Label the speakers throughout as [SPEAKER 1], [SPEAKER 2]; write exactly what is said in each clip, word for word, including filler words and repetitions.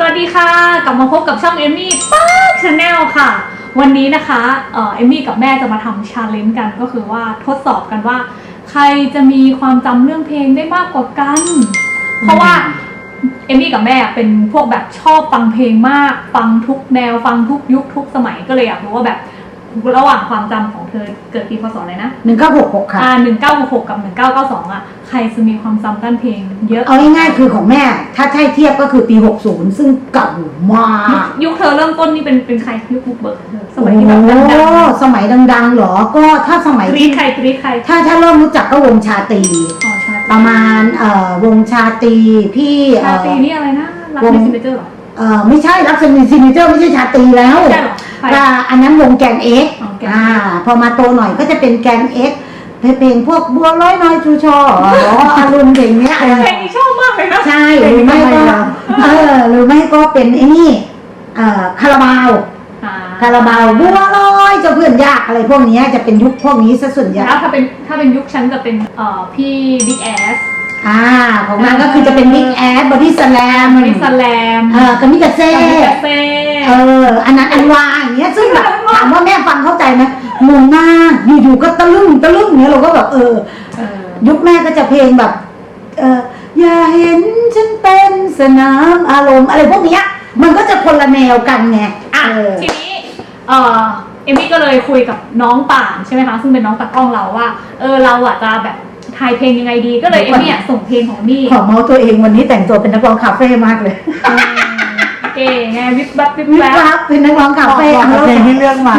[SPEAKER 1] วัสดีค่ะกลับมาพบกับช่องเอมมี่ป๊ากชาแนลค่ะวันนี้นะคะเออเอมมี่กับแม่จะมาทำชาเลนจ์กันก็คือว่าทดสอบกันว่าใครจะมีความจำเรื่องเพลงได้มากกว่ากันเพราะว่าเอมมี่กับแม่เป็นพวกแบบชอบฟังเพลงมากฟังทุกแนวฟังทุกยุคทุกสมัยก็เลยอยากรู้ว่าแบบระหว่างความจำของเธอเกิดปีพศอะไรนะ
[SPEAKER 2] หนึ่งเก้าหกหกค่ะ
[SPEAKER 1] อ่าหนึ่งเก้าหกหกกับหนึ่งเก้าเก้าสองอ่ะใครจะมีความจำด้านเพลงเยอะ
[SPEAKER 2] เอาง่ายๆคือของแม่ถ้าใช่เทียบก็คือปีหกสิบซึ่งเก่ามาก
[SPEAKER 1] ยุคเธอเริ่มต้นนี่เป็นเป็นใครยุคบุกเบิกเธอสมัยที่แบบดัง
[SPEAKER 2] ๆสมัยดังๆหรอก็ถ้าสมัย
[SPEAKER 1] ที่ใครที่ใคร
[SPEAKER 2] ถ้าถ้าเริ่มรู้จักก็วงชาตรีประมาณเอ่อวงชาตรีพี่
[SPEAKER 1] ชาตรีนี่อะไรนะรักในซิมเจอร์หรอ
[SPEAKER 2] เออไม่ใช่รักในซิมเจอร์ไม่ใช่ชาตรีแล้วแต่อันนั้นวงแกนเอ็กอ่าพอมาโตหน่อยก็จะเป็นแกนเอ็กเพลงพวกบัวร้อยน้อยชูชออ๋ออารมณ์เพลงเนี้ย
[SPEAKER 1] เพลงนี้ชอบมากเลยนะ
[SPEAKER 2] ใช่หรือไม่ก็เออหรือไม่ก็เป็นไอ้นี่เอ่อคาราบาวคาราบาวบัวร้อยเจ้าเพื่อนยากอะไรพวกนี้จะเป็นยุคพวกนี้ซะส่วนใหญ่
[SPEAKER 1] ถ้าเป็นถ้าเป็นยุคฉันจะเป็นเอ่อพี่บิ๊กแอส
[SPEAKER 2] อ่าของนางก็คือจะเป็นบิ๊กแอสบอดี้สแลม
[SPEAKER 1] บอดี้สแลม
[SPEAKER 2] เออกามิกาเซ่เอออันนั้นอันวาอย่างเงี้ยซึ่งแบบถามว่าแม่ฟังเข้าใจไหมงงมากอยู่ๆก็ตะลึ่งตะลึ่งเนี้ยเราก็แบบเออยุคแม่ก็จะเพลงแบบเอออย่าเห็นฉันเป็นสนามอารมณ์อะไรพวกเนี้ยมันก็จะคนละแนวกันไง
[SPEAKER 1] อ่ะทีนี้เออเอมมี่ก็เลยคุยกับน้องป่านใช่ไหมคะซึ่งเป็นน้องตากล้องเราว่าเออเราอ่ะจะแบบทายเพลงยังไงดีก็เลยเอมมี่ส่งเพลงของมี่
[SPEAKER 2] ขอเมาตัวเองวันนี้แต่งตัวเป็นนักร้องคาเฟ่มากเลย
[SPEAKER 1] เก๋ไงวิบวับวิบ
[SPEAKER 2] วับเป็นนักร้องคาเฟ่
[SPEAKER 3] เพลงที่เลือกมา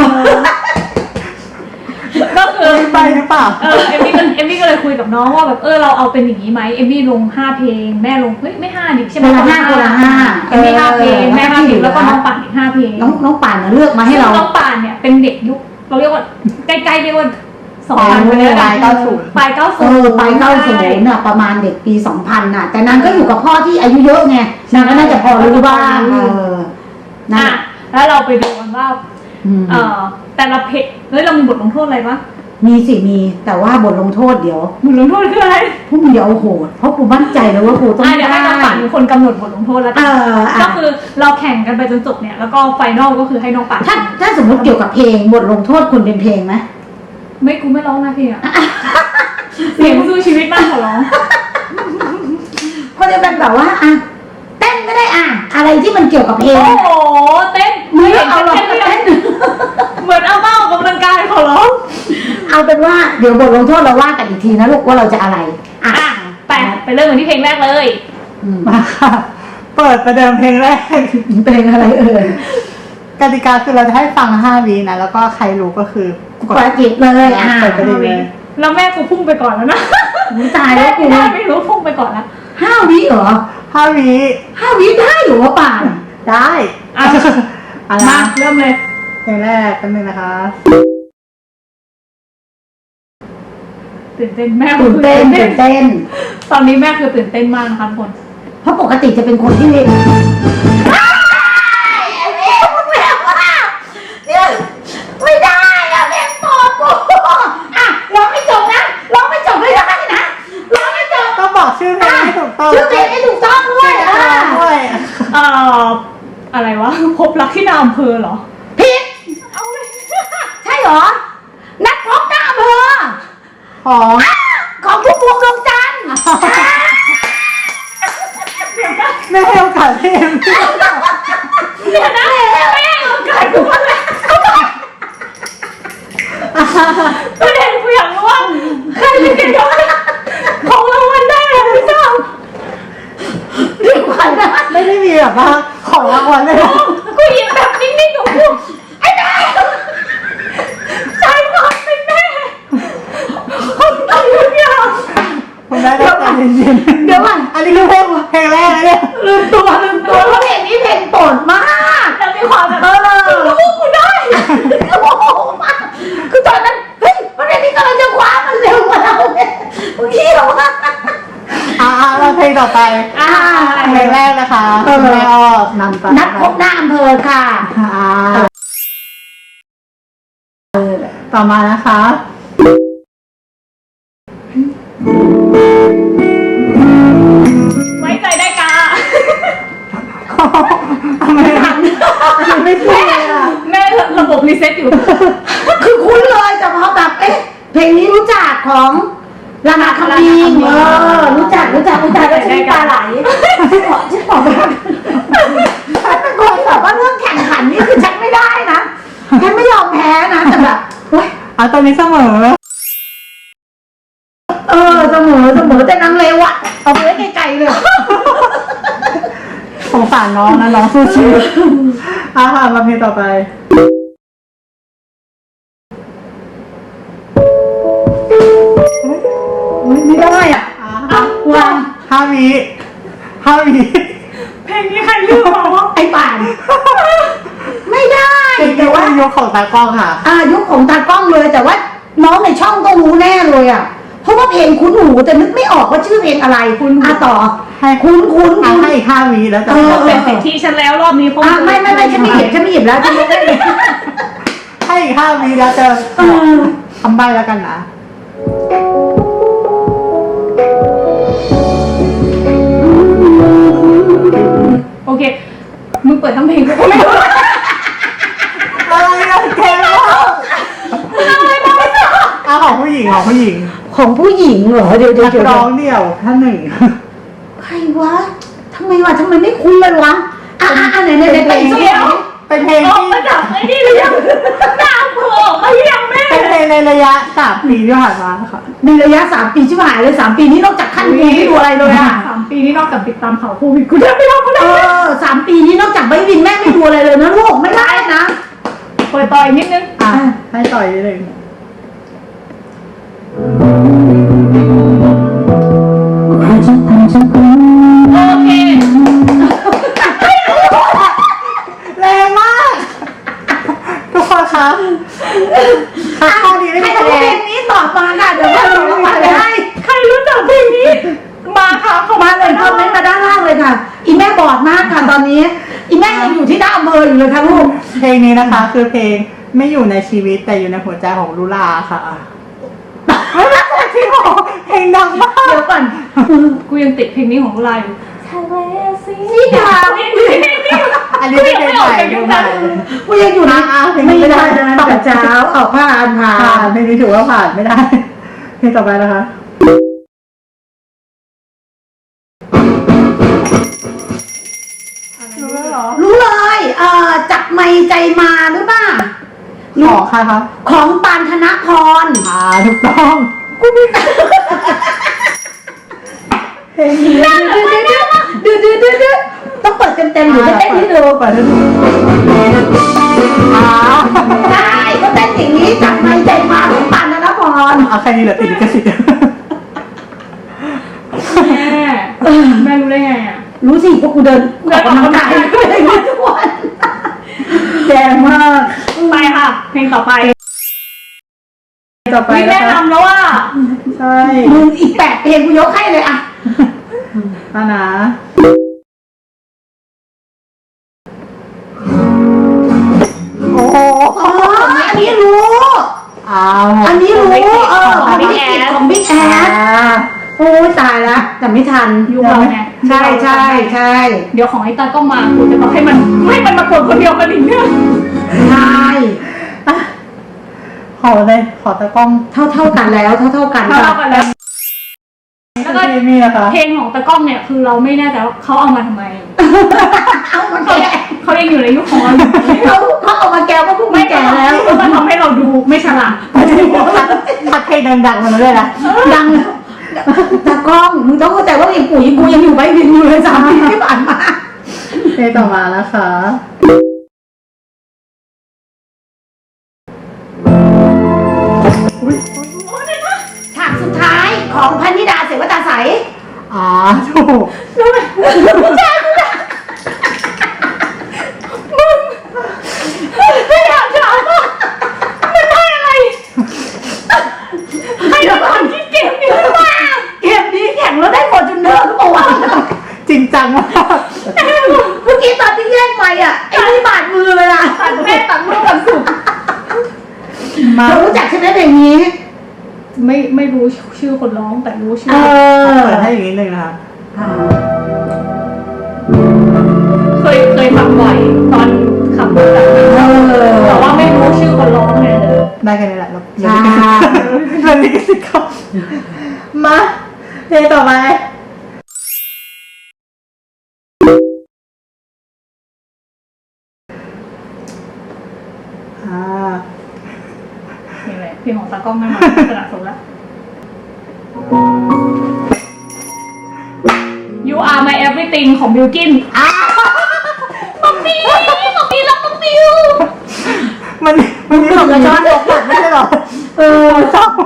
[SPEAKER 1] ก็คือ
[SPEAKER 3] ไปหรือเปล่า
[SPEAKER 1] เออเอมมี่ก็เอมมี่ก็เลยคุยกับน้องว่าแบบเออเราเอาเป็นอย่างนี้ไหมเอมมี่ลงห้าเพลงแม่ลงเฮ้ยไม่ห้าดิใช่ไหม
[SPEAKER 2] คนละห้าคนละห้า
[SPEAKER 1] เอมมี่ห้าเพลงแม่ห้าเพลงแล้วก็น้องป่านอีกห้าเพลง
[SPEAKER 2] น้องน้องป่านเลือกมาให้เรา
[SPEAKER 1] น้องป่านเนี่ยเป็นเด็กยุคเราเรียกว่าใกล้ๆเรียกว่าสองพันไปเลย
[SPEAKER 3] ปลายเก้าสิบ
[SPEAKER 1] ปลายเก้าสิบ
[SPEAKER 2] เออปลายเก้าสิบน่ะประมาณเด็กปีสองพันน่ะแต่นางก็อยู่กับพ่อที่อายุเยอะไงนางก็น่าจะพอรู้บ้างเออ
[SPEAKER 1] นะแล้วเราไปดูกันว่าเออแต่ละเพลงเฮ้ยเรามีบทลงโทษอะไรปะ
[SPEAKER 2] มีสิมีแต่ว่าบทลงโทษเดี๋ยว
[SPEAKER 1] บทลงโทษคืออะไร
[SPEAKER 2] พวกมึงอย่าเอาโหดเพราะกูมั่นใจเลยว่ากูต้อง
[SPEAKER 1] ได้เดี๋ยวให้น้องป่านเป็นคนกำหนดบทลงโทษแล้วกันก็คือเราแข่งกันไปจนจบเนี่ยแล้วก็ไฟนอลก็คือให้น้องป่าน
[SPEAKER 2] ถ้าถ้าสมมติเกี่ยวกับเพลงบทลงโทษคุณเป็นเพลงไหม
[SPEAKER 1] ไม่กูไม่ร้องนะพี่อะเสียงสู้ชีวิตมากขอร้อง
[SPEAKER 2] เพราะจะเป็นแบบว่าอ่ะเต้นก็ได้อ่ะอะไรที่มันเกี่ยวกับเพลง
[SPEAKER 1] โอ้โหเต้น
[SPEAKER 2] ไม่เอาหรอกเต้น
[SPEAKER 1] เหมือนเอาเบ้ากำลังกายขอร้อง
[SPEAKER 2] เอาเป็นว่าเดี๋ยวบทลงโทษเราว่ากันอีกทีนะลูกว่าเราจะอะไร
[SPEAKER 1] อ่ะไปไปเริ่มกันที่เพลงแรกเลย
[SPEAKER 3] มาค่ะเปิดประเดิมเพลงแรก
[SPEAKER 2] เพลงอะไรเอ่ย
[SPEAKER 3] กติกาคือเราจะให้ฟังห้าวินะแล้วก็ใครรู้ก็คือก
[SPEAKER 2] ดจิบเลยอ่ะ
[SPEAKER 3] เปิดไปเลย
[SPEAKER 1] แล้วแม่กูพุ่งไปก่อนแล้วนะ
[SPEAKER 2] ตายแล้วกู
[SPEAKER 1] ไม่รู้พุ่งไปก่อนแล้ว
[SPEAKER 2] ห้าวิเหรอ
[SPEAKER 3] ห้าวิ
[SPEAKER 2] ห้าวิได้หรือว่าป่าน
[SPEAKER 3] ได้
[SPEAKER 1] อ่ะมาเริ่มเลย
[SPEAKER 3] เพลงแรกกันเลยนะคะ
[SPEAKER 1] ตื่นเต้นแม่
[SPEAKER 2] ตื่นเต้นตื่นเต้น
[SPEAKER 1] ตอนนี้แม่คือตื่นเต้นมากนะคะทุกคน
[SPEAKER 2] เพราะปกติจะเป็นคนที่ไม่ได้อะแม่งตอบกูอ่ะร้องไม่จบนะร้องไม่จบไม่ได้นะร้องไม่จบ
[SPEAKER 3] ต้องบอกชื่อเพลงให้ถูกต้อง
[SPEAKER 2] ชื่อเพลงให้ถูกต้องด้วยอ่ะ
[SPEAKER 3] ด้วย
[SPEAKER 1] เอ่ออะไรวะพบรักที่นายอำเภอเหรอ
[SPEAKER 2] ผิดเอาเลยใช่เหรอนัดพบหน้าอำเภอ
[SPEAKER 3] ของ
[SPEAKER 2] ของพุ่มพวงดวงจันทร์
[SPEAKER 3] ไม่ให้โอกาสพี่เอ็ม
[SPEAKER 1] เดี๋ยวนะไม่ให้โอกาสกูเลยประเด็นกูอยากรู้ว่าใครจะเก็บของรางวัลได้หรือไม่ทราบ
[SPEAKER 2] เรื่องขวัญนะ
[SPEAKER 3] ไม่ได้มีแบบว่าของรางวัลเลย
[SPEAKER 1] กูยิงแบบนิ่งๆของกูไอ้แม่ใช่ความเป็นแม่ผมต้องทุกอย่าง
[SPEAKER 3] ผมได้แล้วใจเย็น
[SPEAKER 2] ๆเดี๋ยวก่อน
[SPEAKER 3] อันนี้คือเพลงเพลงแรกเลยเนี่ย
[SPEAKER 2] ลืมตัวลืมตัวเพราะเพลงนี้เพลงโปรดมาก
[SPEAKER 1] แล้วมีความแบบเออรู้กูได้
[SPEAKER 2] โอ้โหมากคือตอนนั้นเฮ้ยประเด็นนี้กำลังจะคว้ามันเร็วกว่าเราเนี่ยเมื่อกี้เหรอวะ
[SPEAKER 3] อ่าเราเพลงต่อไปอ่าเพลงแรกนะคะแม่อ้อนำไป
[SPEAKER 2] นัดพบหน้าอำเภอค่ะ
[SPEAKER 3] อ่าต่อมานะคะ
[SPEAKER 1] ไว้ใจได้กาเซตอยู่
[SPEAKER 2] คือคุ้นเลยแต่พอแบบเอ๊ะเพลงนี้รู้จักของลานาคามิงเออรู้จักรู้จักรู้จักแล้วชื่อตาไหลฉันบอกฉันบอกว่าฉันเป็นคนแบบว่าเรื่องแข่งขันนี่คือฉันไม่ได้นะฉันไม่ยอมแพ้นะแต่แบบโอ๊ย
[SPEAKER 3] อ่ะตอนนี้เสมอ
[SPEAKER 2] เออเสมอเสมอแต่นางเลวอะเอาไปไว้ไกลๆเลย
[SPEAKER 3] สงสารน้องนะน้องสู้ชีวิตอ่ะค่ะมาเพลงต่อไป
[SPEAKER 2] อุ๊ยไม่ได้อ่ะ
[SPEAKER 3] อ่ะ
[SPEAKER 2] วาง
[SPEAKER 3] ห้าวิห้าวิ
[SPEAKER 1] เพลงนี้ใครเลือกมาว่า
[SPEAKER 2] ไอ้ป่าน ไม่ได้
[SPEAKER 3] เป็น
[SPEAKER 2] แต่ว่า
[SPEAKER 3] ยกของตากล้องค่ะ
[SPEAKER 2] อายุคของตากล้องเลยแต่ว่าน้องในช่องก็รู้แน่เลยอ่ะเพราะว่าเพลงคุ้นหูแต่นึกไม่ออกว่าชื่อเพลงอะไรคุณอาต่อ
[SPEAKER 3] ให้
[SPEAKER 2] คุ้นคุ้น
[SPEAKER 3] อ่ะ
[SPEAKER 2] คุ้น
[SPEAKER 3] ให้อีกห้าวิแล้วจะ
[SPEAKER 2] เออ
[SPEAKER 1] เป็นสิทธิฉันแล้วรอบนี้เพราะ
[SPEAKER 2] อ่ะไม่ไม่ไม่ฉันไม่หยิบฉันไม่หยิบแล้วฉันไม่ได้เลย
[SPEAKER 3] ให้อีกห้าวิแล้วจะ
[SPEAKER 2] เออ
[SPEAKER 3] ทำใบแล้วกันนะ
[SPEAKER 1] โอเคมึงเปิดทั้งเพลงก็ไม่รู้
[SPEAKER 3] อะไรอะแกแล้วอ่ะของผู้หญิงของผู้หญิง
[SPEAKER 2] ของผู้หญิงเหรอเดี๋ยวเดี๋ยว
[SPEAKER 3] นัก
[SPEAKER 2] เดี๋ยว
[SPEAKER 3] ร้องเดี่ยวท่านหนึ่ง
[SPEAKER 2] ใครวะทำไมวะทำไมไม่คุ้นเลยวะอ่ะอ่ะอ่ะไหนไหนไหนไปอีกสัก
[SPEAKER 1] เดี๋ยว
[SPEAKER 3] เป็นเพลง
[SPEAKER 1] ออก
[SPEAKER 3] ที่
[SPEAKER 1] มาจากไอ้นี่หรือยังหน้าเผื่อออกมาหรือยังแม่
[SPEAKER 3] เป็นเพลงในระยะสามปีที่ผ่านมาค่ะ
[SPEAKER 2] ในระยะสามปีชิบหายเลยสามปีนี้นอกจากขั้นกูไม่ดูอะไรเลยอ่ะ
[SPEAKER 1] สามปีนี้นอกจากติดตามข่าวโควิดกูแทบไม่ทำอะไร
[SPEAKER 2] เออสามปีนี้นอกจากใบวินแม่ไม่ดูอะไรเลยนะลูกไม่ได้นะ
[SPEAKER 1] เปิดต่ออีกนิดนึง
[SPEAKER 3] อ่ะให้ต่อยนิดนึง
[SPEAKER 1] โอเค
[SPEAKER 3] แรงมาก ทุกคนครับค่ะข้อนี้ไม่
[SPEAKER 2] ใคร
[SPEAKER 3] มีคะ
[SPEAKER 2] รู้
[SPEAKER 3] แน
[SPEAKER 2] เพล
[SPEAKER 3] น
[SPEAKER 2] งนี้ตอบมาค่ะเดี๋ยวว่าส่งรางวัลไปให้
[SPEAKER 1] ใครรู้จักเพลงนี้มาค่ะเข้า
[SPEAKER 2] มา
[SPEAKER 1] มา
[SPEAKER 2] เลยคอมเมนต์มาด้านล่างเลยค่ะ อีแม่บอดมากค่ะตอนนี้ อีแม่ยังอยู่ที่ด้านอำเภออยู่เลยค่ะลูก
[SPEAKER 3] เพลงนี้นะคะ คือเพลงไม่อยู่ในชีวิตแต่อยู่ในหัวใจของลูลาค่ะที่บอกเพลงดังมาก
[SPEAKER 2] เดี๋ยวก่อน
[SPEAKER 1] กูยังติดเพลงนี้ของลูลาอยู่ทะเลสี
[SPEAKER 2] นี่ค่ะ
[SPEAKER 1] นี่เพลงนี้
[SPEAKER 3] อันนี้เป็นเพลงใหม่เพลงใหม่
[SPEAKER 2] กูยังอยู่นะ
[SPEAKER 3] อ่ะเพลง
[SPEAKER 2] ไม่
[SPEAKER 3] นี้ไม่
[SPEAKER 2] ได้
[SPEAKER 3] ได้
[SPEAKER 2] นะแต่เช้าออกผ่านผ่า
[SPEAKER 3] ผ่าน
[SPEAKER 2] น
[SPEAKER 3] เพลงนี้ถือว่าผ่านไม่ได้ เพลงต่อไปนะคะ รู้แล้วเหรอ
[SPEAKER 2] รู้เลยเอ่อจับไมค์ใจมาหรือเปล่า
[SPEAKER 3] ขอค่ะครับ
[SPEAKER 2] ของปานธนพร
[SPEAKER 3] อ่าถูกต้อง
[SPEAKER 2] กูไม่เพลงนี้ดื้อดื้อดื้อดื้อต้องเปิดเต็มๆหรือจะเต้นที่เดิม
[SPEAKER 3] เปิดให้ดูอ่า
[SPEAKER 2] ใช่ก็เต้นอย่างนี้จับไมค์ใจมาของปานธนพร
[SPEAKER 3] เอาแค่นี้เหรอติดลิขสิทธิ์
[SPEAKER 1] แม่แม่รู้ได้ไงอ่ะ
[SPEAKER 2] รู้สิพวกกูเดินออกกำลังกายก็เลยรู้ทุกวันแย่มาก
[SPEAKER 1] ไปค่ะ เพลงต่อไป
[SPEAKER 3] ต่อไป
[SPEAKER 1] วิ
[SPEAKER 3] นะ
[SPEAKER 1] แนะครับ นำแล้วว่า
[SPEAKER 3] ใช่
[SPEAKER 2] มึงอีกแปดเพลงกูยกให้เลยอะ
[SPEAKER 3] อานะ
[SPEAKER 2] โอ้โหอ๋ออันนี้รู้
[SPEAKER 3] อ้าว
[SPEAKER 2] อันนี้รู้เออ
[SPEAKER 1] ของ
[SPEAKER 2] บิ๊
[SPEAKER 1] Big
[SPEAKER 2] ก
[SPEAKER 1] Ass
[SPEAKER 2] ของบิ๊กแอ
[SPEAKER 3] อ่า
[SPEAKER 2] สโอ้ยตายละแต่ไม่ทัน
[SPEAKER 1] ยุคเราไง
[SPEAKER 2] ใช่ใช่ใช่
[SPEAKER 1] เดี๋ยวของไอ้ตาก็มากูจะบอกให้มันให้มันมากดคนเดียวกันอีกเนี่ย
[SPEAKER 2] ใช่
[SPEAKER 3] ขอเลยขอตะกล้อง
[SPEAKER 2] เท่าเท่าๆกันแล้วเท่าเท่าๆกัน
[SPEAKER 1] เท่ากันแล้ว แล้วก็
[SPEAKER 3] เพลงนี้นะคะ
[SPEAKER 1] เพลงของตะกล้องเนี่ยคือเราไม่แน่ใจว่าเขาเอามาทำไม
[SPEAKER 2] เอามา
[SPEAKER 1] เขา
[SPEAKER 2] แก่
[SPEAKER 1] เขายังอยู่ในยุคของเราอยู่
[SPEAKER 2] เขาเขาเอามาแก้ว่าพวกมึงแก่แล้ว
[SPEAKER 1] แล้วมันทำให้เราดูไม่ฉลาด
[SPEAKER 3] ทัดเพลงดังๆมาเลยนะ
[SPEAKER 2] ดังตากล้องมึงต้องเข้าใจว่าอย่างปู่ยังกูยังอยู่ใบวินอยู่เลยสามปีที่ผ่านมา
[SPEAKER 3] เพลงต่อมานะคะอุ๊ย
[SPEAKER 2] ฉากสุดท้ายของพันธิดาเสวตาใส
[SPEAKER 3] อ่าถูก
[SPEAKER 1] แล้วมันไม่อยากถามว่ามันได้อะไรให้เราทำที่เกมนี้หรือเปล่า
[SPEAKER 2] เกมนี้แข่งแล้วได้ฟอร์จูเนอร์หรือเปล่าวะ
[SPEAKER 3] จริงจังมาก
[SPEAKER 2] เมื่อกี้ตอนที่แย่งไปอ่ะไอ้นี่บาดมือเลยอ่ะ
[SPEAKER 1] ตัดแม่ตัดลูกตัดสุด
[SPEAKER 3] มา
[SPEAKER 2] เรารู้จักใช่ไหมเพลงนี้
[SPEAKER 1] ไม่ไม่รู้ชื่อคนร้องแต่รู้ชื่
[SPEAKER 2] เอ
[SPEAKER 1] อ
[SPEAKER 2] อ
[SPEAKER 3] เปิดให้อีกนิดนึงนะคะ
[SPEAKER 1] เคยเคยฟังบ่อยตอนคำแบบนี้
[SPEAKER 2] เออ
[SPEAKER 1] แต่ว่าไม่รู้ชื่อคนร้องไง
[SPEAKER 3] ได้กันนี่แหละเรา
[SPEAKER 2] ใช่
[SPEAKER 3] เราลิขสิทธิ์เขามาเพลงต่อไปอ่า
[SPEAKER 1] นี่แหละเพลงของตากล้องแน่นอนขนาดสมแล้ว You are my everything ของบิลกินอ้าวมัมมี่มัมมี่รักน้องบิว
[SPEAKER 3] มันมันมีของกระชอนตกหลักไม่ใช่หรอเออชอบ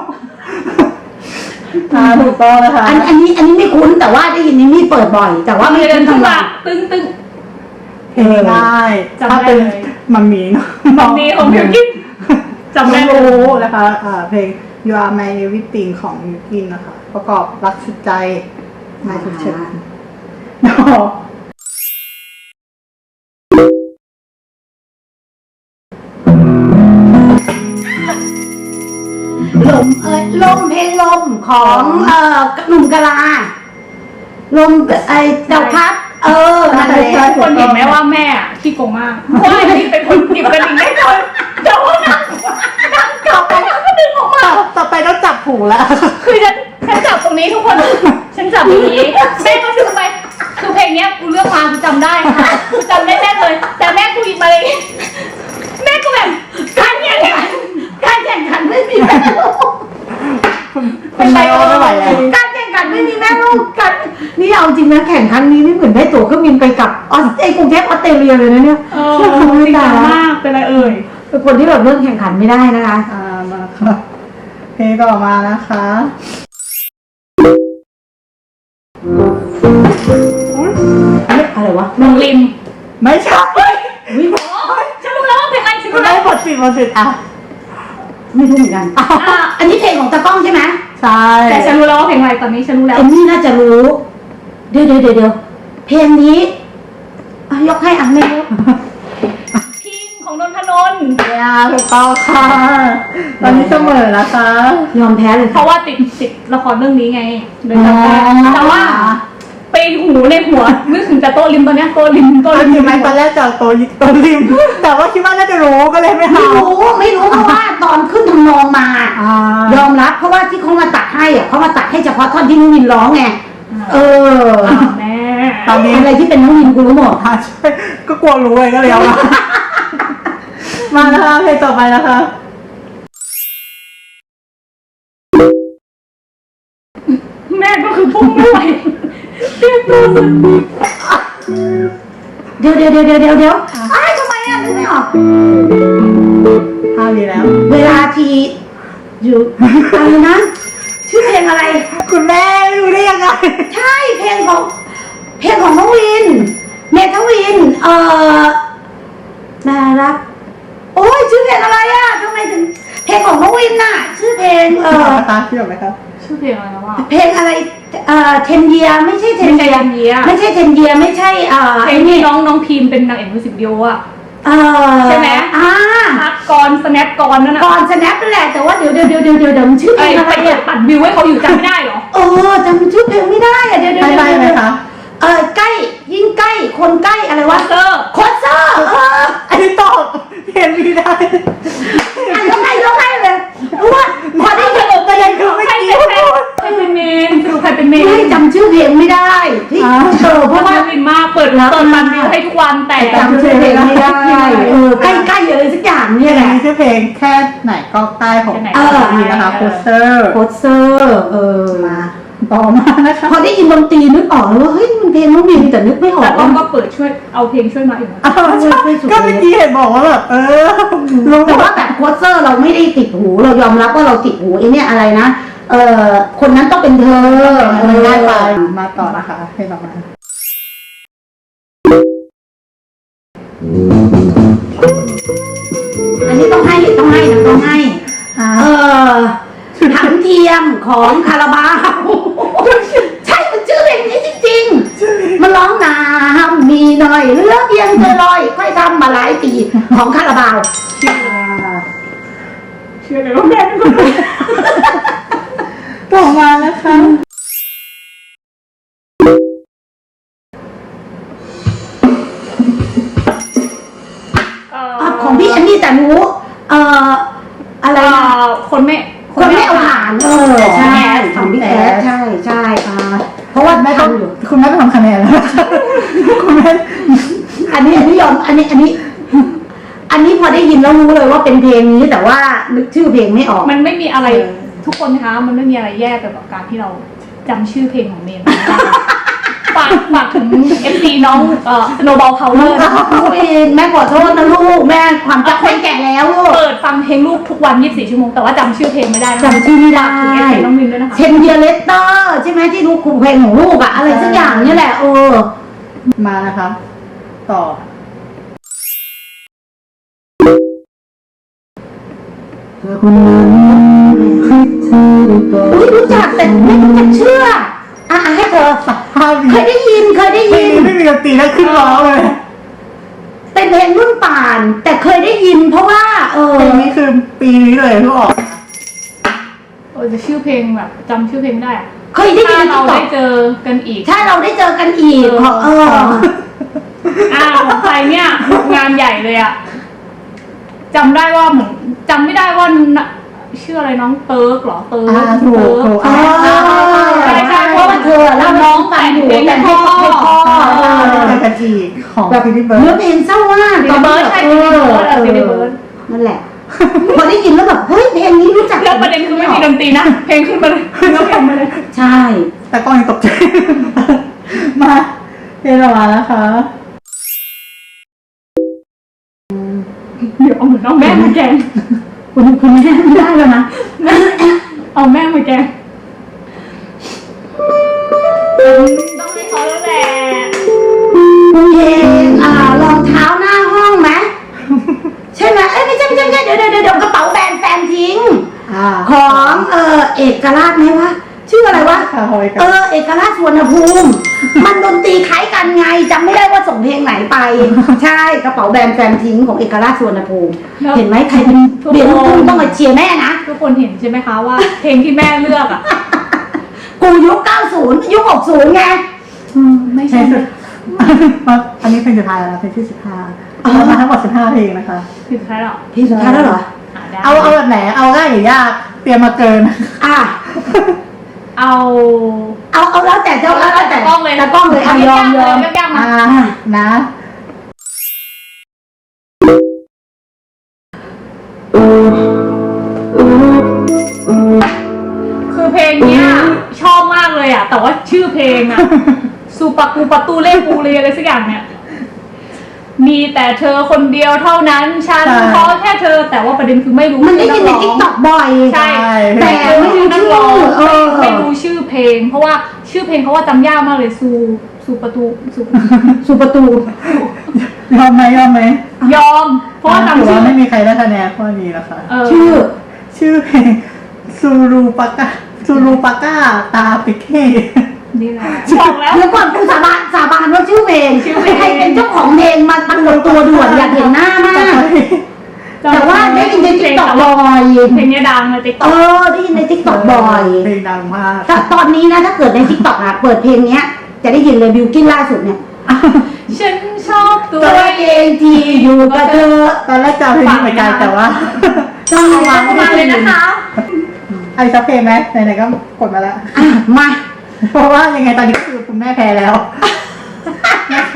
[SPEAKER 3] อ่าถูกต้องนะคะ
[SPEAKER 2] อันอันนี้อันนี้ไม่คุ้นแต่ว่าได้ยินนี่มีเปิดบ่อย แต่ว่าไม่
[SPEAKER 1] เดิ
[SPEAKER 2] คุ้
[SPEAKER 1] น
[SPEAKER 2] น
[SPEAKER 1] ขึ้น
[SPEAKER 2] ทำไม
[SPEAKER 1] มาตึ้งตึ้ง
[SPEAKER 3] เพลงได้
[SPEAKER 1] จำได้
[SPEAKER 3] ถ้าเป็น
[SPEAKER 1] เลย
[SPEAKER 3] มัมมี่เนาะ
[SPEAKER 1] มัมมี่ของบิลกินจำได้
[SPEAKER 3] ไม่
[SPEAKER 1] เลย
[SPEAKER 3] รู้นะคะอ่าเพลง You Are My Everything ของบิลกินนะคะ ประกอบรักสุดใจนายสุดเฉินเนาะ
[SPEAKER 2] ลมเอ้ยลมเพลงลมของเอ่อหนุ่มกะลา ลมไอเจ้าพัด เออนั่นแหละ
[SPEAKER 1] ทุกคนเห็นไหมว่าแม่อะขี้โกงมากเพราะว่าอันนี้เป็นคนหยิบกระดิ่งได้คนแต่ว่านั่งนั่งกลับไปแล้วก็ดึงออกมา
[SPEAKER 3] ต่อต่อไปต้องจับหูแล้ว
[SPEAKER 1] คือฉันฉันจับตรงนี้ทุกคน ฉันจับอย่างนี้แม่ก็ดึงไปคือเพลงเนี้ยกูเลือกมากูจำได้ค่ะกูจำได้แน่เลย แต่แม่กูหยิบมาเลยแม่ก็แบบการแข่งขัน
[SPEAKER 2] การแข่งขันไม่มีแม่ลูก
[SPEAKER 3] เป็นไรไม่ไหวแล้ว
[SPEAKER 2] การแข่งขันไม่มีแม่ลูกกันนี่เอาจริงนะแข่งครั้งนี้นี่เหมือนได้ตั๋วเครื่องบินไปกับออสไอกรุงเทพออสเตรเลียเลยนะเนี่ย
[SPEAKER 1] เออจริงจังมากเป็นไรเอ่ย
[SPEAKER 2] เป็นคนที่แบบเรื่องแข่งขันไม่ได้นะคะ
[SPEAKER 3] อ่ามาค่ะเพลงต่อมานะคะ
[SPEAKER 2] อะไรวะ
[SPEAKER 1] เมืองริม
[SPEAKER 3] ไม่ใช่
[SPEAKER 2] วิ
[SPEAKER 1] อ๋อฉันรู้แล้วว่าเพลงอะไรฉัน
[SPEAKER 3] มัน
[SPEAKER 1] รู้
[SPEAKER 3] ได้
[SPEAKER 1] แล้ว
[SPEAKER 3] บทสิบทสิบอ่ะ
[SPEAKER 2] ไม่รู้เหมือนกันอ๋ออันนี้เพลงของตากล้องใช่ไหม
[SPEAKER 3] ใช่
[SPEAKER 1] แต่ฉันรู้แล้วว่าเพลงอะไรตอนนี้ฉันรู้แล้ว
[SPEAKER 2] เอมมี่น่าจะรู้ เดี๋ยวเดี๋ยวเดี๋ยวเดี๋ยวเพลงนี้อ่ะยกให้อันแม่ยก
[SPEAKER 1] พิงของนนทนนท์
[SPEAKER 3] ยาถูกต้องค่ะ ตอนนี้เสมอนะคะ
[SPEAKER 2] ยอมแพ้เลย
[SPEAKER 1] เพราะว่าติดติดละครเรื่องนี้ไงเลยจำได้
[SPEAKER 2] อ๋อ
[SPEAKER 1] แต่ว่าไปหูในหัวนึกถึงแต่โต๊ะริมตอนเนี้ยโต๊ะริมโต๊ะ
[SPEAKER 3] ตอ
[SPEAKER 1] ริ
[SPEAKER 3] น
[SPEAKER 1] ม
[SPEAKER 3] นี้ไหมตอนแรกจะเอาตัวยิตัวริม แต่ว่าคิดว่าน่าจะรู้ก็เลยไม่
[SPEAKER 2] ไม่
[SPEAKER 3] เอา
[SPEAKER 2] รู้ไม่รู้เพราะว่าตอนขึ้นทำนองมา
[SPEAKER 3] อ่าย
[SPEAKER 2] อมรับเพราะว่าที่เขามาตัดให้อ่ะเขามาตัดให้เฉพาะท่อนที่น้องวินร้องไงเออ
[SPEAKER 1] อ่าแม่
[SPEAKER 3] ตอนนี้
[SPEAKER 2] อะไรที่เป็นน้องวินกูรู้หมด
[SPEAKER 3] อ่าใช่ก็กลัวรู้เลยก็เลยเอามา มานะคะเพลงต่อไปนะคะ
[SPEAKER 1] แม่ก็คือพุ่งไม่ไหวเรียกตัวสุด
[SPEAKER 2] เดี๋ยวเดี๋ยวเดี๋ยวเดี๋ยวเดี๋ยวเดี๋ยวอ้ายทำไมอ่ะนึกไม่ออก
[SPEAKER 3] ห้าวีแล้ว
[SPEAKER 2] เวลาทีอยู่อะไรนะชื่อเพลงอะไร
[SPEAKER 3] คุณแม่ไม่รู้ได้ยังไง
[SPEAKER 2] ใช่เพลงของ เพลงของน้องวิน เมทวิน เอ่อน่ารัก โอ้ยชื่อเพลงอะไรอ่ะทำไมถึง เพลงของน้องวินน่ะ ชื่อเพลงเอ่อ
[SPEAKER 3] ตาพี่ออกไหมครับ
[SPEAKER 1] ชื่อเพลงอะไรนะวะ
[SPEAKER 2] เพลงอะไร เอ่อเทนเยียไม่ใช่เทน
[SPEAKER 1] ไม่
[SPEAKER 2] เยี
[SPEAKER 1] ใช่
[SPEAKER 2] ย
[SPEAKER 1] เทนเยีย
[SPEAKER 2] ไม่ใช่เทนเยียไม่ใช่เอ่อ
[SPEAKER 1] เพลงที่น้องน้องพิมเป็นนางเอกมิวสิกวิดีโออะ
[SPEAKER 2] เอ่อ
[SPEAKER 1] ใช่ไหม
[SPEAKER 2] อ่า
[SPEAKER 1] พักกรสแนปกรนั่นน่ะ
[SPEAKER 2] ก่อนสแนปนั่นแหละแต่ว่าเดี๋ยวเดี๋ยวเดี๋ยวเดี๋ยวเดี๋ยวเดี๋ยวมันชื่อเพล
[SPEAKER 1] ไอ้
[SPEAKER 2] งอะไร
[SPEAKER 1] ไปเปิด
[SPEAKER 2] อ่ะ
[SPEAKER 1] ปัดวิวให้เขาอยู่จำไม่ได้เหรอ
[SPEAKER 2] เออจำชื่อเพลงไม่ได้อ่ะเดี๋ยวเดี๋ยว
[SPEAKER 3] ไม่
[SPEAKER 2] เดี๋ยว
[SPEAKER 3] ได้ไหม
[SPEAKER 2] เดี๋ยว
[SPEAKER 3] คะ
[SPEAKER 2] เออใกล้ยิ่งใกล้คนใกล้อะไรวะ
[SPEAKER 1] เซอร์
[SPEAKER 2] โคชเซอร์เออ
[SPEAKER 3] อันนี้ตอบเพลงไม่ได้
[SPEAKER 2] อ่ะยกให้ยกให้เลยเพราะว่าพอได้ยิน
[SPEAKER 3] ประเด็นคือไม่
[SPEAKER 1] ใคร
[SPEAKER 3] กี้
[SPEAKER 1] เป็นแฟนใครเป็นเมนสรุปใครเป็นเมน
[SPEAKER 2] ไม่จำชื่อเพลงไม่ได้ที่เออเพ
[SPEAKER 1] เพราะ
[SPEAKER 2] ราะ
[SPEAKER 1] ว่า
[SPEAKER 2] ว่า
[SPEAKER 1] วินมากเปิดเปิดปัดวิวให้ทุกวันแต่
[SPEAKER 2] จำชื่อเพลงไม่ได้เออใกล้ใกล้อะไรสักอย่างเนี่ยแหละ
[SPEAKER 3] มีชื่อเพลงแค่ไหนก็ใต้ของ
[SPEAKER 2] เออ
[SPEAKER 3] นี่นะคะโคเซอร์
[SPEAKER 2] โคชเซอร์เออมา
[SPEAKER 3] ต่อมานะคะ
[SPEAKER 2] พอได้ยินดนตรีนึกออกเลยว่าเฮ้ยมันเพลงน้องวินแต่นึกไม่ออ
[SPEAKER 1] แต่
[SPEAKER 2] ก
[SPEAKER 1] ก็
[SPEAKER 2] ว่า
[SPEAKER 1] ก็เปิดช่วยเอาเพลงช่วยมาอีกนะ
[SPEAKER 3] อ้าวใช่ก็เมื่อกี้เห็นบอกว่าแบบเออรู้
[SPEAKER 2] แต่ว่าแบบโคชเซอร์เราไม่ได้ติดหูเรายอมรับว่าเราติดหูไอ้เนี่ยอะไรนะเออคนนั้นต้องเป็นเธอเออ
[SPEAKER 3] ง่ายไปมาต่อนะคะเพลงต่อมา
[SPEAKER 2] อันนี้ต้องให้ต้องให้นะต้องให้เออถังเทียมของคาราบาวใช่มันชื่อเพลงนี้จริงๆมันร้องน้ำมีหน่อยเหลือเพียงเธอลอยค่อยทำมาหลายปีของคาราบาว
[SPEAKER 1] เชื่อเลยว่าแม่เป็นคน
[SPEAKER 3] ต่อมานะคะ
[SPEAKER 1] คนไม่
[SPEAKER 2] คนไม่เอาผ่านเออใช่ของพี่แอดใช่ใช่เพราะว่า
[SPEAKER 3] แม่ต้อง
[SPEAKER 2] ทำอยู่
[SPEAKER 3] คุณแม่ไปทำคะแนนแล้วคุณแม่
[SPEAKER 2] อันนี้อันนี้ยอมอันนี้อันนี้ อันนี้พอได้ยินแล้วรู้เลยว่าเป็นเพลงนี้แต่ว่านึกชื่อเพลงไม่ออก
[SPEAKER 1] มันไม่มีอะไร
[SPEAKER 2] เออ
[SPEAKER 1] ทุกคนคะมันไม่มีอะไรแย่ไปกว่าการที่เราจำชื่อเพลงของเมนไม่ได้ฝากฝากถึงเอฟซีน้องเอ่อโนบอลเคาเลอร์
[SPEAKER 2] เพลงแม่ขอโทษนะลูกแม่ความจำคนแก่แล้วลูก
[SPEAKER 1] เปิดฟังเพลงลูกทุกวันยี่สิบสี่ชั่วโมงแต่ว่าจำชื่อเพลงไม่ได้นะ
[SPEAKER 2] จำชื่อไม่ได้
[SPEAKER 1] ฝากถึงเอฟซีน้องมินด้วยนะคะ
[SPEAKER 2] เชนเดียเลสเตอร์ใช่ไหมที่ลูกครูเพลงของลูกอะอะไรสักอย่างนี่แหละเออ
[SPEAKER 3] มานะคะต่อ
[SPEAKER 2] คนนั้นอุ้ยรู้จักแต่ไม่รู้จักเชื่ออ่ะให้เธอ
[SPEAKER 3] ภาพ
[SPEAKER 2] เคยได้ยินเคยได้
[SPEAKER 3] ไม่
[SPEAKER 2] ยิ
[SPEAKER 3] มี
[SPEAKER 2] น
[SPEAKER 3] ไม่มีดนตรีแล้วขึ้นร้องเลย
[SPEAKER 2] เป็นเพลงรุ่นป่าน แต่เคยได้ยินเพราะว่า เออ
[SPEAKER 3] เพลงนี้คือปีนี้เลยที่ออก
[SPEAKER 1] เออจะชื่อเพลงแบบจำชื่อเพลงไม่ได้อะ
[SPEAKER 2] เคยได้ยิ
[SPEAKER 1] ถ้าน เรา
[SPEAKER 2] ต่อ
[SPEAKER 1] ได้เจอกันอีก
[SPEAKER 2] ถ้าเราได้เจอกันอีกขอเออ
[SPEAKER 1] อ่าของใครเนี่ยงานใหญ่เลยอะจำได้ว่าเหมือนจำไม่ได้ว่าน่ะชื่ออะไรน้องเติร์กเหรอเติร์ก
[SPEAKER 3] อ่าถูก
[SPEAKER 1] เติร์
[SPEAKER 3] ถู
[SPEAKER 1] ก
[SPEAKER 3] ก
[SPEAKER 2] อ๋อ
[SPEAKER 1] ใช่ใช่เพราะว่า
[SPEAKER 2] เธอเล่า
[SPEAKER 1] น้อง
[SPEAKER 2] แต่
[SPEAKER 1] แต่
[SPEAKER 2] ง
[SPEAKER 1] ง
[SPEAKER 2] อยู่
[SPEAKER 1] เพลง
[SPEAKER 2] แต่งให้
[SPEAKER 1] ให้
[SPEAKER 2] พ่
[SPEAKER 1] พ่
[SPEAKER 2] อ
[SPEAKER 1] อ
[SPEAKER 2] ให้พ่อ
[SPEAKER 3] เออเป็นกันอีกของ
[SPEAKER 2] แบบ
[SPEAKER 3] ฟิลิปเบิร์
[SPEAKER 2] เนื้อ
[SPEAKER 3] ด
[SPEAKER 2] เพลงเศร้ามาก
[SPEAKER 1] ฟิลิปเบิร์ดใช่ฟิลิปเบิร์ดเออฟิลิปเบิร์ด
[SPEAKER 2] นั่นแหละ พอได้ยินแล้วแบบเฮ้ยเพลงนี้รู้จัก
[SPEAKER 1] แล้วประเด็นคือไม่มีดนตรีนะเพลงขึ้นมาเลยแล้วเพลงมาเลย
[SPEAKER 2] ใช่
[SPEAKER 3] แต่กล้องยังตกใจ มาเพลงออกมานะคะ
[SPEAKER 1] เดี๋ยวเอาเหมือนน้องแม่มาแกง
[SPEAKER 2] คุณคุณแม่ไม่ได้แล้วนะ
[SPEAKER 1] เอาแม่มาแกงต้องให้เขาแล้วแหละ
[SPEAKER 2] คุณเพลงอ่ารองเท้าหน้าห้องไหมใช่ไหมเอ้ยไม่ใช่ไม่ใช่ไม่ใช่เดี๋ยวเดี๋ยวเดี๋ยวกระเป๋าแบรนด์แฟนทิ้ง
[SPEAKER 3] อ่า
[SPEAKER 2] ของเออเอกราชไหมวะชื่ออะไรวะ
[SPEAKER 3] ค่ะฮอยกั
[SPEAKER 2] เอน อเอกราชสวนภูมิ มันดนตรีคล้ายกันไงจำไม่ได้ว่าส่งเพลงไหนไป ใช่กระเป๋าแบรนด์แฟนทิ้งของเอกราชสวนภูมิ เห็นไหมใครเป็นเรียนลูกทุ่งต้องมาเชียร์แม่นะ
[SPEAKER 1] ทุกคนเห็นใช่ไหมคะว่า เพลงที่แม่เลือกอ่ะ
[SPEAKER 2] กูยุคเก้าสิบยุคหกสิบไง
[SPEAKER 1] ไม่
[SPEAKER 3] ใช่
[SPEAKER 1] ใช่
[SPEAKER 3] สุดอันนี้เพลงสุดท้ายแล้วนะเพลงที่สิบห้าเรามาทั้งหมดสิบห้าเพลงนะคะ
[SPEAKER 1] ผิดท้ายหรอ
[SPEAKER 2] พี่สุดท้ายแล้วเหรอ
[SPEAKER 1] อ่ะได้
[SPEAKER 3] เอาเอาแบบไหน เอาง่ายหรือยาก เตรียมมาเกิน
[SPEAKER 2] อ่ะ
[SPEAKER 1] เอา
[SPEAKER 2] เอาเอาแล้วแต่เจ้าแล้วแต่
[SPEAKER 1] แต่กล้องเลย
[SPEAKER 2] แต่กล้องเลยเอายอมยอม
[SPEAKER 1] ยากๆ
[SPEAKER 3] อ่า
[SPEAKER 1] นะ
[SPEAKER 3] นะ
[SPEAKER 1] คือเพลงเนี้ยชอบมากเลยอ่ะ แต่ว่าชื่อเพลงอ่ะ ซูปากูปาตูเล่ปูเรอะไรสักอย่างเนี่ย มีแต่เธอคนเดียวเท่านั้น ฉันขอแค่เธอ แต่ว่าประเด็นคือไม่รู้
[SPEAKER 2] มันได้ยินใน
[SPEAKER 1] ชื่อ
[SPEAKER 2] ทิกตอกบ่อย
[SPEAKER 1] ใช่
[SPEAKER 2] แต่
[SPEAKER 1] แต่
[SPEAKER 2] ไม่
[SPEAKER 1] ไม่
[SPEAKER 2] รู้
[SPEAKER 1] รู้นักร้อง
[SPEAKER 2] ชื่อเออ
[SPEAKER 1] ไม่ไม่รู้ชื่อเพลง เพราะว่าชื่อเพลงเขาว่าจำยากมากเลยซูซูปาตูซู
[SPEAKER 2] สุประตู
[SPEAKER 3] ยอมไหมยอมไหม
[SPEAKER 1] ยอม เพราะว่า
[SPEAKER 3] ถือ
[SPEAKER 1] จำชื่
[SPEAKER 3] ว่า
[SPEAKER 1] อ
[SPEAKER 3] ไม่มีใครได้คะแนนข้อนี้นะคะ
[SPEAKER 1] เออ
[SPEAKER 2] ชื่อ
[SPEAKER 3] ชื่อเพลงซูรูปากาซูรูปาก้าตาปิเก้
[SPEAKER 1] นี่แหละบอกแล้ว
[SPEAKER 2] เดี๋ยวก่อนกูสาบานสาบานว่าชื่อเพลงใครเป็นเจ้าของเพลงมาปรากฏตัวด่วนอยากเห็นหน้ามาก แต่ว่าได้ยินในทิกตอกบ่อย
[SPEAKER 1] เพลงเนี้ยดังในติ๊กต็
[SPEAKER 2] เอ
[SPEAKER 1] อก
[SPEAKER 2] อได้ยินในทิกตอกบ่อย
[SPEAKER 3] เพลงดังมาก
[SPEAKER 2] แต่ตอนนี้นะถ้าเกิดในทิกตอกอะเปิดเพลงเนี้ย จะได้ยินเลยบิวกิ้นล่าสุดเนี่ย
[SPEAKER 1] ฉันชอบตัว
[SPEAKER 2] ตัวเองที่อยู่กับเธอ
[SPEAKER 3] ตอนแรกจะเอาเพลงนี้เหมือนกันแต่ว่า
[SPEAKER 2] ต้อง
[SPEAKER 1] เอา
[SPEAKER 2] มา
[SPEAKER 1] มาเลยนะคะ
[SPEAKER 3] ไอ้ซับเพลงไหมไหนๆก็กดมาแล้ว
[SPEAKER 2] อ่ะมา
[SPEAKER 3] เพราะว่ายังไงตอนนี้ก็คือคุณแม่แพ้แล้วนะคะ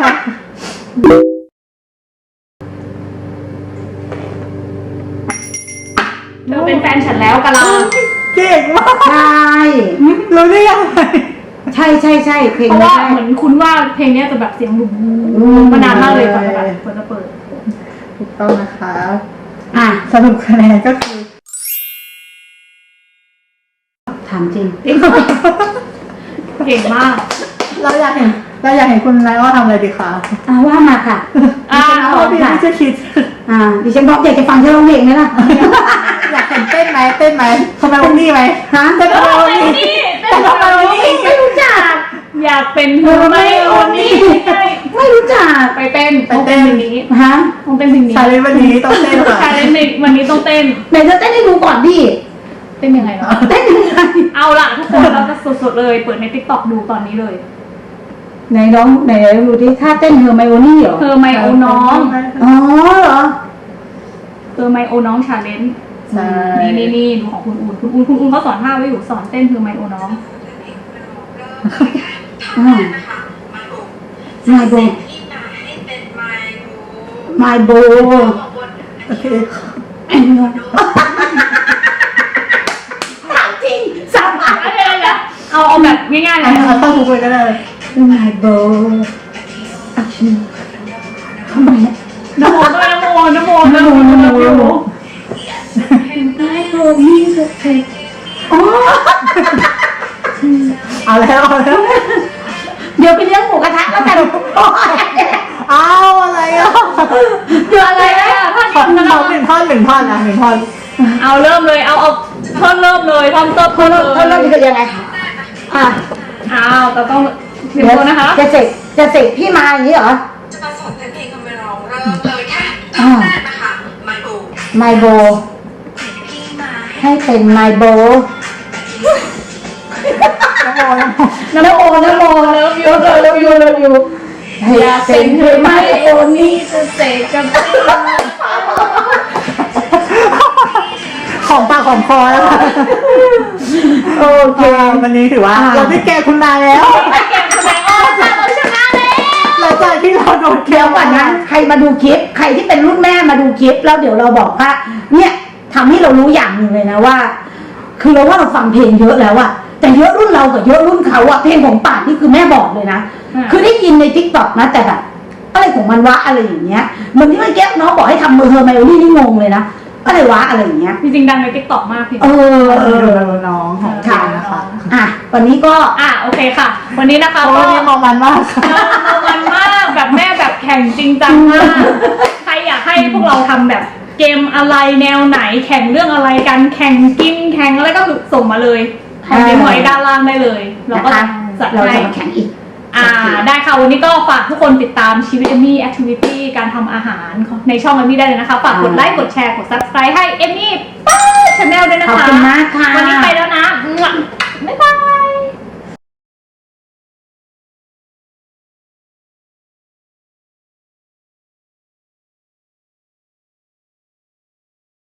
[SPEAKER 1] เธอเป็นแฟนฉันแล้วกะลา
[SPEAKER 3] เก่งมาก
[SPEAKER 2] ใช่
[SPEAKER 3] รู้ได้ยังไง
[SPEAKER 2] ใช่ใช่ใช่เพลง
[SPEAKER 1] เพราะ
[SPEAKER 2] นี้
[SPEAKER 1] ว่า
[SPEAKER 2] ใช่
[SPEAKER 1] เหมือนคุณว่าเพลงเนี้ยจะแบบเสียงหลุม
[SPEAKER 2] อืม
[SPEAKER 1] มานานมากเลยก่อนจะแบบก่อนจะเปิด
[SPEAKER 3] ถูกต้องนะคะ
[SPEAKER 2] อ่ะ
[SPEAKER 3] สรุปคะแนนก็คือ
[SPEAKER 2] ถามจริง
[SPEAKER 1] เก่งมาก
[SPEAKER 3] เราอยากเห็นเราอยากเห็นคุณไลอ้อทำอะไรดีคะ
[SPEAKER 2] อ่ะว่ามาค่ะ
[SPEAKER 1] อ่า
[SPEAKER 3] เพราะพี่ไม่จะคิด
[SPEAKER 2] อ่าดิฉันบอกอยากจะฟังเธอร้องเพลงไหมล่ะ
[SPEAKER 3] อยากเห็นเต้นไหมเต้นไหมทำไมวันนี้ไหม
[SPEAKER 2] ฮะ
[SPEAKER 3] เต้น
[SPEAKER 1] เอ
[SPEAKER 3] ทำไม
[SPEAKER 1] อ
[SPEAKER 3] วัน
[SPEAKER 1] ไม่
[SPEAKER 3] นี้
[SPEAKER 1] นี่
[SPEAKER 3] เต้นทำไมวันนี้
[SPEAKER 2] ไม่รู้จัก
[SPEAKER 1] อยากเป็นเธอไหมโอนี่
[SPEAKER 2] ไม่รู้จัก
[SPEAKER 1] ไปเต้น
[SPEAKER 3] ไปเต้น
[SPEAKER 1] เพลงนี้
[SPEAKER 2] ฮะ
[SPEAKER 1] ต้องเต้นเพลงนี้
[SPEAKER 3] ชาเลนจ์วันนี้ต้องเต้นค่ะ
[SPEAKER 1] ชาเลนจ์ในวันนี้ต้องเต้น
[SPEAKER 2] ไหนจะเต้นให้ดูก่อนดิ
[SPEAKER 1] เต้นยังไงเนาะ
[SPEAKER 2] เต้นยังไง
[SPEAKER 1] เอาล่ะทุกคนเราจะสดๆเลย เปิดในติ๊กต็อกดูตอนนี้เลย
[SPEAKER 2] ไหนร้องไหนดูดิท่าเต้นเฮอร์ไมโอนี่เหรอ
[SPEAKER 1] เธอไมโอน้อง
[SPEAKER 2] อ๋อเหรอ
[SPEAKER 1] เธอไมโอน้องชาเลนจ์
[SPEAKER 2] อ
[SPEAKER 3] ใช่
[SPEAKER 1] นี่นี่นี่ดูของคุณอูนคุณอูนคุณอูนเขาสอนท่าไว้อยู่สอนเต้นคือไมโอน้อง
[SPEAKER 2] อืมไมโบไมโบ
[SPEAKER 3] โอเค
[SPEAKER 2] ถามจริงสามารถ
[SPEAKER 1] เอาเลยนะเอาเอาแบบง่ายๆเลย
[SPEAKER 3] เอาต้องทุกคนก็ได้
[SPEAKER 2] ไมโบทำไม
[SPEAKER 1] นโมด้วยนโมนโม
[SPEAKER 2] นโมนโมนโมไมโบมีสเปคอ๋อ
[SPEAKER 3] เอาแล้วเอาแล้ว
[SPEAKER 2] เดี๋ยวไปเลี้ยงหมูกระทะแล้วกัน
[SPEAKER 3] เอาอะไรอ่ะ
[SPEAKER 2] เดี๋ยวอะไรนะ
[SPEAKER 1] ท่อน
[SPEAKER 3] ท่อน
[SPEAKER 1] นี้
[SPEAKER 3] ท่อนหนึ่งท่อนหนึ่งท่อนนะหนึ่งท่อน
[SPEAKER 1] เอาเริ่มเลยเอาเอาท่อนเริ่มเลยท่อนต้น
[SPEAKER 2] เขาเริ่มเขาเริ่มคือยังไงอ่ะ
[SPEAKER 1] อ้าวแต่ต้องเดี๋ยวนะคะ
[SPEAKER 2] จะเสกจะเสกพี่มาอย่างนี้เหรอ
[SPEAKER 4] จะมาสอนเพลงคำร้องเริ่มเลยค่ะ
[SPEAKER 2] อ่า
[SPEAKER 4] แรกนะคะไมโบ
[SPEAKER 2] ไมโบ
[SPEAKER 4] พี่มา
[SPEAKER 2] ให้เป็นไมโบ
[SPEAKER 3] น้ำโมน้ำโม
[SPEAKER 2] นโมนโมเลิฟยูเลิฟยูเลิฟยูให้เป็นเธอไมโอนี้
[SPEAKER 1] จะเสกกับ
[SPEAKER 3] ของปากของคอแล้วค่ะ
[SPEAKER 2] โอเค
[SPEAKER 3] วันนี้ถือว่า
[SPEAKER 2] อ่า
[SPEAKER 3] เราได้แก้คุณนายแล้ว
[SPEAKER 1] เกมแสดงว่าเราชนะแล้ว
[SPEAKER 3] หลังจากที่เราโดนแก้
[SPEAKER 2] เดี๋ยวก่อนนะใครมาดูคลิป ใครที่เป็นรุ่นแม่มาดูคลิป แล้วเดี๋ยวเราบอกว่า เนี่ยทำให้เรารู้อย่างหนึ่งเลยนะว่า คือเราว่าเราฟังเพลงเยอะแล้วอะแต่เยอะรุ่นเรากับเยอะรุ่นเขาอะเพลงของป่านนี่คือแม่บอกเลยนะ คือได้ยินในทิกตอกนะแต่แบบอะไรของมันวะอะไรอย่างเงี้ยเหมือนที่เมื่อกี้น้องบอกให้ทำมือเฮอร์ไมโอนี่นี่งงเลยนะอะไรวะอะไรอย่างเงี้ย
[SPEAKER 1] จริงๆดังในทิกตอกมากพี่
[SPEAKER 2] เออเอ
[SPEAKER 3] ดู
[SPEAKER 2] อ
[SPEAKER 3] ดูน้องของ
[SPEAKER 2] ค่ะ
[SPEAKER 3] เรานะคะ
[SPEAKER 2] อ่ะวันนี้ก็
[SPEAKER 1] อ่ะโอเคค่ะ วันนี้นะคะ
[SPEAKER 3] โอ้
[SPEAKER 1] ก็
[SPEAKER 3] วันนี้มองมันมากค่ะ
[SPEAKER 1] มันมากแบบแม่แบบแข่งจริงจังมากใครอยากให้พวกเราทำแบบเกมอะไรแนวไหนแข่งเรื่องอะไรกันแข่งกินแข่งอะไรก็คือส่งมาเลยคอมเมนต์ไว้ด้านล่างได้เลยเราก็
[SPEAKER 2] นะคะ
[SPEAKER 1] จัด
[SPEAKER 2] เรา
[SPEAKER 1] ให้
[SPEAKER 2] จะมาแข่งอีก
[SPEAKER 1] อ่าได้ค่ะวันนี้ก็ฝากทุกคนติดตามชีวิตเอมมี่แอคทิวิตี้การทำอาหารในช่องเอมมี่ได้เลยนะคะฝากกดไลค์กดแชร์กด ซับสไครบ์ ให้เอมมี่ป้าชาแนลด้วยนะคะ
[SPEAKER 2] ขอบคุณมากค่ะ
[SPEAKER 1] วันนี้ไปแล้วนะ